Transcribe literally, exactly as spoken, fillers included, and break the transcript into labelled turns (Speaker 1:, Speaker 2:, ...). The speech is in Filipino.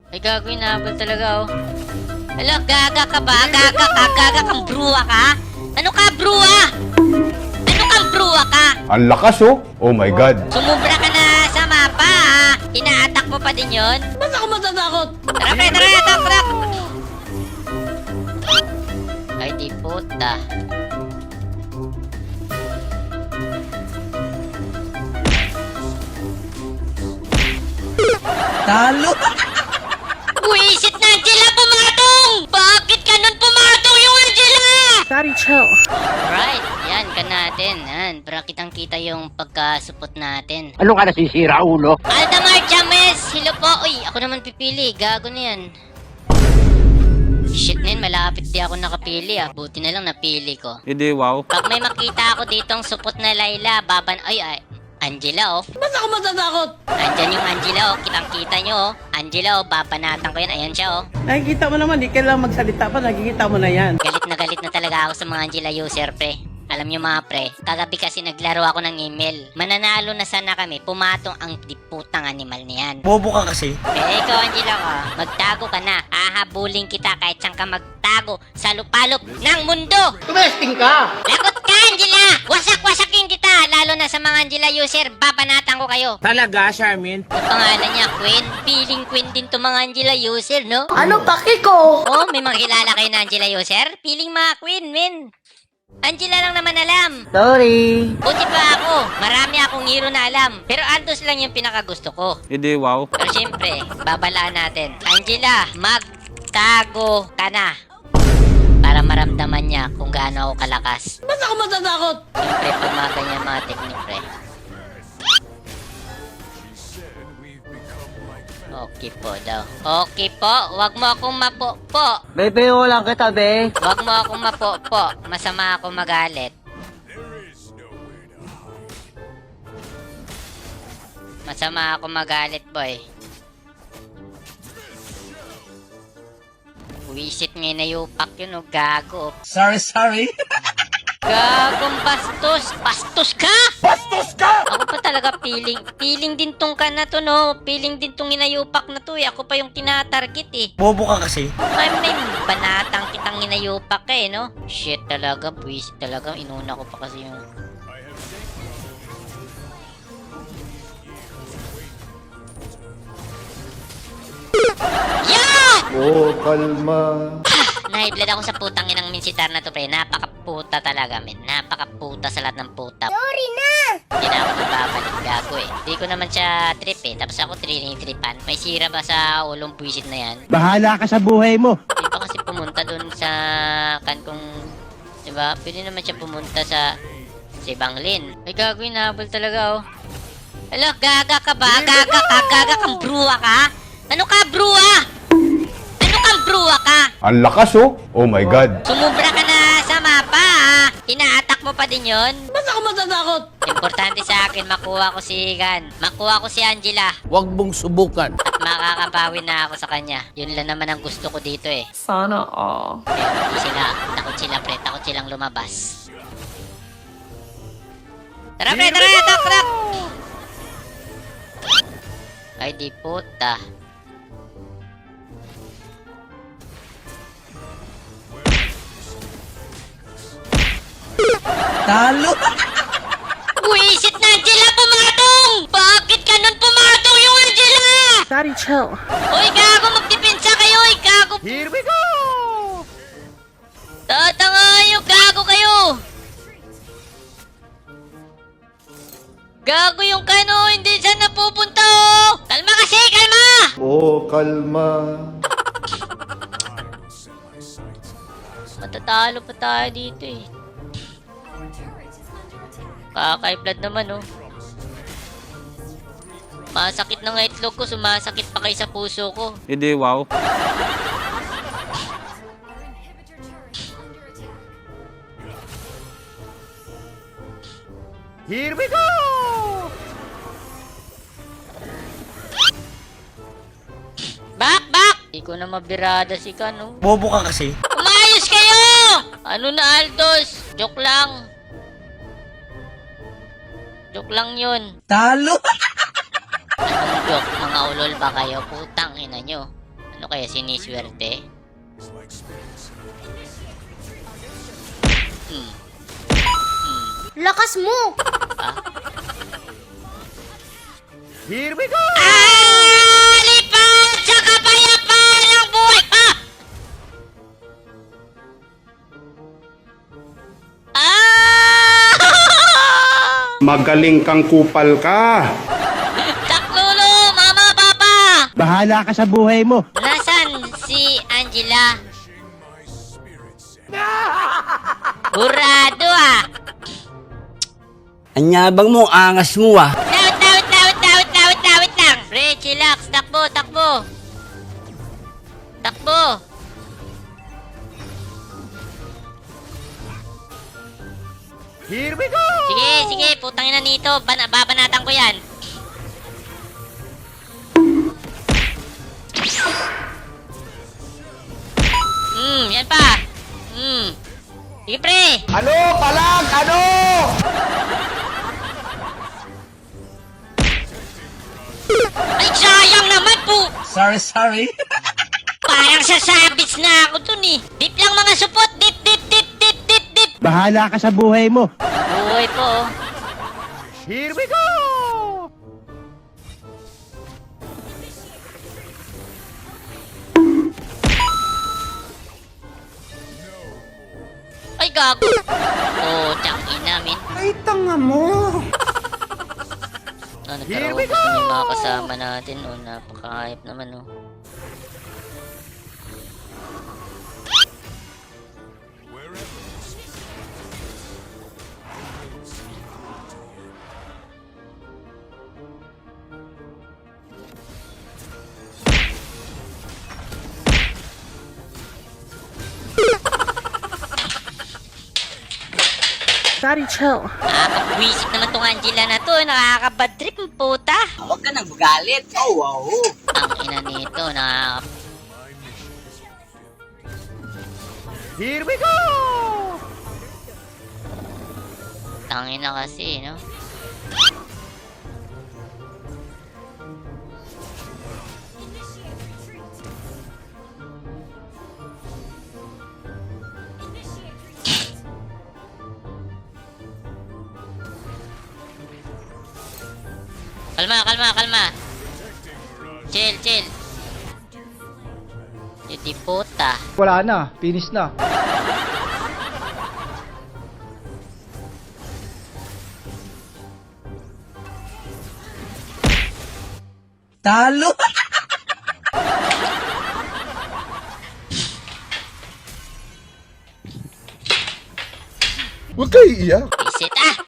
Speaker 1: Ay, gago, inahabol talaga, oh. Hala, gaga ka ba? Gaga ka? Gaga kang bruwa ka? Ano ka, bruwa? Ano kang bruwa ka?
Speaker 2: Ang lakas oh. Oh my God.
Speaker 1: Sumubra ka na sa mapa, ha? Ina-attack mo pa din yun?
Speaker 3: Ba't ako matatakot?
Speaker 1: Tara, pre, tara, attack, attack! Ay, di puta.
Speaker 3: Talo!
Speaker 1: Buisit na, Angela! Pumatong! Bakit ka nun pumatong yung Angela?
Speaker 4: Daddy, chill.
Speaker 1: Alright, yan ka natin. Yan, para kitang-kita yung pagkasupot natin.
Speaker 5: Ano ka nasisira, ulo?
Speaker 1: Aldamar James! Hello po! Uy, ako naman pipili. Gago na yan. Shit na yun, malapit di ako nakapili ah. Buti na lang napili ko.
Speaker 6: Hindi, wow.
Speaker 1: Pag may makita ako ditong supot na Layla, baban... Ay, ay. Angela oh.
Speaker 3: Ba't ako matatakot?
Speaker 1: Andyan yung Angela oh. Kitang-kita nyo oh. Angela oh, babanatan ko yan. Ayan siya oh.
Speaker 4: Nakikita mo naman, di kailangan magsalita pa, nakikita mo na yan.
Speaker 1: Galit na galit na talaga ako sa mga Angela user, pre. Alam nyo mga pre, kagabi kasi naglaro ako ng email. Mananalo na sana kami, pumatong ang diputang animal niyan.
Speaker 3: Bobo ka kasi.
Speaker 1: Eh, ikaw Angela ka, magtago ka na. Hahabulin kita kahit saan ka magtago sa lupalop ng mundo.
Speaker 5: Tumesting ka!
Speaker 1: Lagot ka Angela! Wasak-wasakin kita! Lalo na sa mga Angela user, babanatan ko kayo.
Speaker 3: Talaga, Charmin?
Speaker 1: Ang pangalan niya, Queen. Feeling Queen din to mga Angela user, no?
Speaker 4: Ano paki ko?
Speaker 1: Oh, may mga kilala kayo na Angela user? Feeling mga Queen, men. Angela lang naman alam.
Speaker 4: Sorry.
Speaker 1: Buti pa ako. Marami akong hero na alam. Pero Aldos lang yung pinakagusto ko.
Speaker 6: Hindi, wow.
Speaker 1: Pero syempre, babalaan natin. Angela, magtago ka na. Para maramdaman niya kung gaano ako kalakas.
Speaker 3: Ba't ako matatakot?
Speaker 1: Siyempre, pag mga ganyan mga technique, pre. Okay po daw. Okay po, wag mo akong mapo-po.
Speaker 4: Bebe, lang kita, be.
Speaker 1: Wag mo akong mapo-po. Masama ako magalit. Masama ako magalit, boy. Wisit ngayon na yupak yun, oh, gago.
Speaker 3: Sorry, sorry.
Speaker 1: Gagong bastos! Bastos ka! Bastos ka! Ako pa talaga piling. Piling din tong ka na to, no? Piling din tong inayupak na to, eh. Ako pa yung tinatarget, eh.
Speaker 3: Bobo ka kasi.
Speaker 1: Ay, may banatang kitang inayupak ka, eh, no? Shit talaga, buwis talaga. Inuna ko pa kasi yung... Yeah!
Speaker 2: Oh, kalma.
Speaker 1: Nahiblad ako sa putang inang minsitar na to, pre. Napakaputa talaga, men. Napakaputa sa lahat ng puta. Sorry na! Hindi na ako nagbabalik, gago eh. Hindi ko naman siya trip eh. Tapos ako trinitripan. May sira ba sa ulong buwisit na yan?
Speaker 5: Bahala ka sa buhay mo.
Speaker 1: Hindi pa kasi pumunta dun sa kan kung... Diba? Pwede naman siya pumunta sa... Sa ibang lane. Ay, gago, inahabol talaga, oh. Hala, gaga ka ba? Gaga ka? Gaga kang bruwa ka? Ano ka, bruwa? Ano kang bruwa ka?
Speaker 2: Ang lakas oh. Oh my God.
Speaker 1: Sumubra ka na sa mapa, ha? Ina-attack mo pa din yun?
Speaker 3: Ba't ako matatakot?
Speaker 1: Importante sa akin, makuha ko si Gan. Makuha ko si Angela.
Speaker 5: Huwag mong subukan.
Speaker 1: At makakabawi na ako sa kanya. Yun lang naman ang gusto ko dito, eh.
Speaker 4: Sana all.
Speaker 1: Pero hindi sila. Takot sila, pre. Takot silang lumabas. Tara, pre. Tara, attack, attack! Ay, di puta.
Speaker 3: Talo!
Speaker 1: Buisit na, Angela! Pumatong! Bakit ka nun pumatong yung Angela?
Speaker 4: Daddy, chill.
Speaker 1: Uy, gago! Magdepensa kayo! Uy, gago!
Speaker 5: Here we go!
Speaker 1: Tatangayo! Gago kayo! Gago yung kano! Hindi saan napupunta, oh! Kalma kasi! Kalma!
Speaker 2: Oh, kalma.
Speaker 1: Matatalo pa tayo dito, eh. Kakay-blood naman, oh. Masakit na nga itlog ko, sumasakit pa kay sa puso ko.
Speaker 6: Hindi, wow.
Speaker 5: Here we go!
Speaker 1: Bak! Bak! Di ko na mabirada si Kano.
Speaker 3: Bobo ka kasi.
Speaker 1: Umayos kayo! Ano na, Aldos? Joke lang. Joke lang yun.
Speaker 3: Talo!
Speaker 1: Anong joke? Mga ulol ba kayo? Putang ina nyo. Ano kaya siniswerte? Hmm.
Speaker 6: Lakas mo!
Speaker 5: Here we go!
Speaker 1: Ah! Lipad sa kapayapaan ng buhay! Ah! Ah!
Speaker 7: Magaling kang kupal ka.
Speaker 1: Taklolo! Mama, papa!
Speaker 5: Bahala ka sa buhay mo.
Speaker 1: Nasaan si Angela? Burado ah!
Speaker 3: Anyabang mo, angas mo ah.
Speaker 1: Tawit, tawit, tawit, tawit, tawit, tawit lang! Pre, chillax! Takbo, takbo! Takbo!
Speaker 5: Here we go!
Speaker 1: Sige, sige, putang ina nito. Ban babanatan ko yan. Hmm, yan pa. Hmm. Sige, pre.
Speaker 5: Ano? Palag! Ano?
Speaker 1: Ay, sayang naman po.
Speaker 3: Sorry, sorry.
Speaker 1: Parang sasabits na ako dun eh. Dip lang mga supot. Dip, dip, dip, dip, dip, dip.
Speaker 5: Bahala ka sa buhay mo.
Speaker 1: Buhay po. oh.
Speaker 5: Here we go!
Speaker 1: Ay, gago. Oh, tiyang ina, min.
Speaker 5: Ay, tanga mo!
Speaker 1: Oh,
Speaker 5: Here we
Speaker 1: nagkaroon
Speaker 5: go!
Speaker 1: yung mga kasama natin. Oh, napaka-hype naman, oh.
Speaker 6: Daddy, chill.
Speaker 1: Nakakabwisit naman tong Angela na to. Nakakabad trip, ang puta.
Speaker 3: Huwag ka nang magalit. Oh, wow.
Speaker 1: Ang ina nito, nakaka...
Speaker 5: Here we go!
Speaker 1: Tangina kasi, no? Kalma, kalma, kalma. Chill, chill. Yung di puta.
Speaker 2: Wala na, finish na.
Speaker 3: Talo.
Speaker 2: Huwag kayo iiyak.
Speaker 1: Visit, ah!